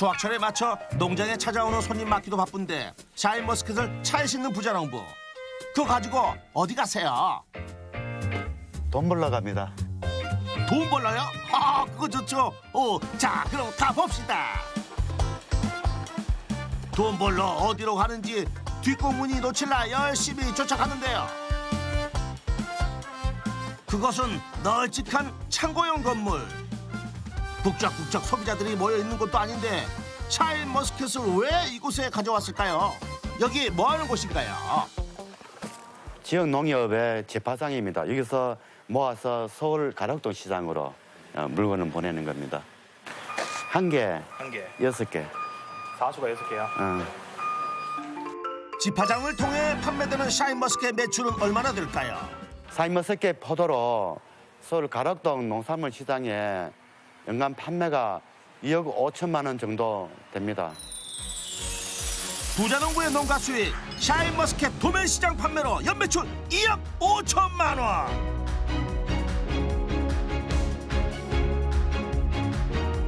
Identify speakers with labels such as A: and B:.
A: 수확철에 맞춰 농장에 찾아오는 손님 맞기도 바쁜데 샤인머스켓을 차에 싣는 부자농부. 그거 가지고 어디 가세요?
B: 돈 벌러 갑니다.
A: 돈 벌러요? 아, 그거 좋죠. 자, 그럼 가봅시다. 돈 벌러 어디로 가는지 뒷공문이 놓칠라 열심히 쫓아가는데요. 그것은 널찍한 창고형 건물. 북적북적 소비자들이 모여있는 곳도 아닌데 샤인머스켓을 왜 이곳에 가져왔을까요? 여기 뭐하는 곳인가요?
B: 지역 농협의 재파상입니다. 여기서 모아서 서울 가락동 시장으로 물건을 보내는 겁니다. 한 개,
C: 한 개.
B: 6개.
C: 4수가 6개요.
A: 집화장을 통해 판매되는 샤인머스켓 매출은 얼마나 될까요?
B: 샤인머스켓 포도로 서울 가락동 농산물 시장에 연간 판매가 2억 5천만 원 정도 됩니다.
A: 부자농부의 농가 수익 샤인머스켓 도매시장 판매로 연매출 2억 5천만 원.